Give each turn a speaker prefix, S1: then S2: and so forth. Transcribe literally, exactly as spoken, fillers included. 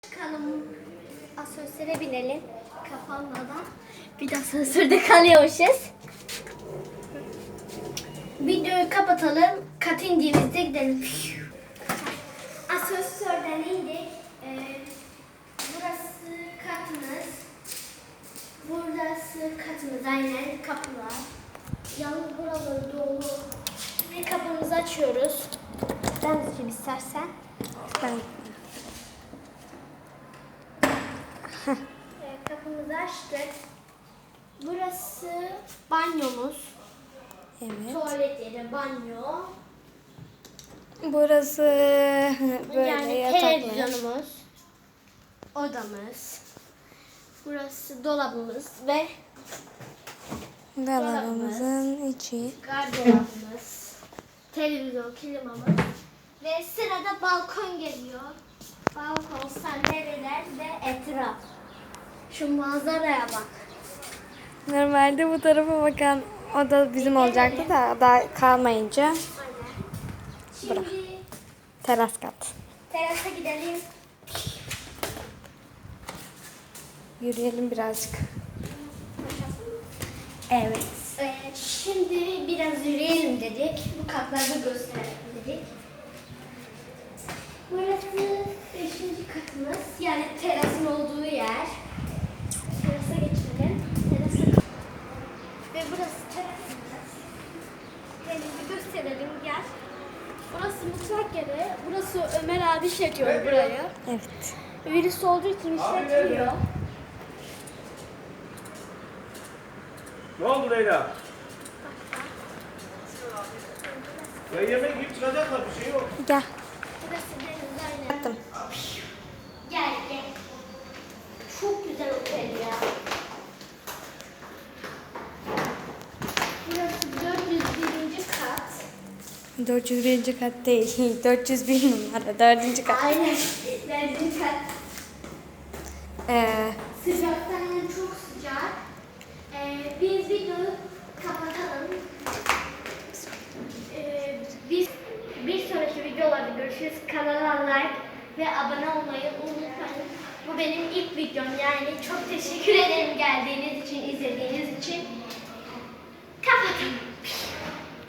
S1: Çıkalım. Asansöre binelim. Kapanmadan. Bir de asansörde kalıyormuşuz. Videoyu kapatalım. Kat indiğimizde gidelim. Asansörden indik. Ee, burası katımız. Burası katımız. Aynen kapılar. Yalnız buraları dolu. Şimdi kapımızı açıyoruz. Ben açayım istersen.
S2: Ben.
S1: Evet, kapımızı açtık. Burası banyomuz.
S2: Evet.
S1: Tuvalet yeri, banyo.
S2: Burası böyle
S1: Yani
S2: yataklar.
S1: televizyonumuz. Odamız. Burası dolabımız ve
S2: Dolabımızın içi.
S1: gardırobumuz. Televizyon, klimamız. Ve sırada balkon geliyor. Balkon, sandalyeler ve etraf. Şu manzaraya bak.
S2: Normalde bu tarafa bakan oda bizim olacaktı da daha kalmayınca
S1: Aynen. Şimdi
S2: Bırak. teras kat.
S1: terasa gidelim.
S2: Yürüyelim birazcık.
S1: Evet. Ee, şimdi biraz yürüyelim dedik. Bu katlarda gösterelim dedik. Burası beşinci katımız. Yani terasın olduğu yer. Terasa geçelim. Terasa. Ve burası terasımız. Kendimizi gösterelim. Gel. Burası mutfak yeri. Burası Ömer abi işletiyor burayı.
S2: Evet.
S1: Virüs olduğu için işletmiyor.
S3: Ne oldu Leyla? Ya yemek yiyip çıkacaklar, bir şey yok.
S2: Gel.
S1: Burası deniz aynen.
S2: Yaptım.
S1: Gel gel. Çok güzel otel ya. Burası dört yüz birinci kat.
S2: dört yüz birinci kat değil. dört yüz bir numara. dördüncü kat.
S1: Aynen. dördüncü kat.
S2: Ee,
S1: Sıcaktan çok sıcak. Ee, biz videoyu kapatalım. Ee, biz bir sonraki videolarda görüşürüz. Kanala like ve abone olmayı unutmayın. Bu benim ilk videom, yani çok teşekkür ederim geldiğiniz için, izlediğiniz için. Kapatalım.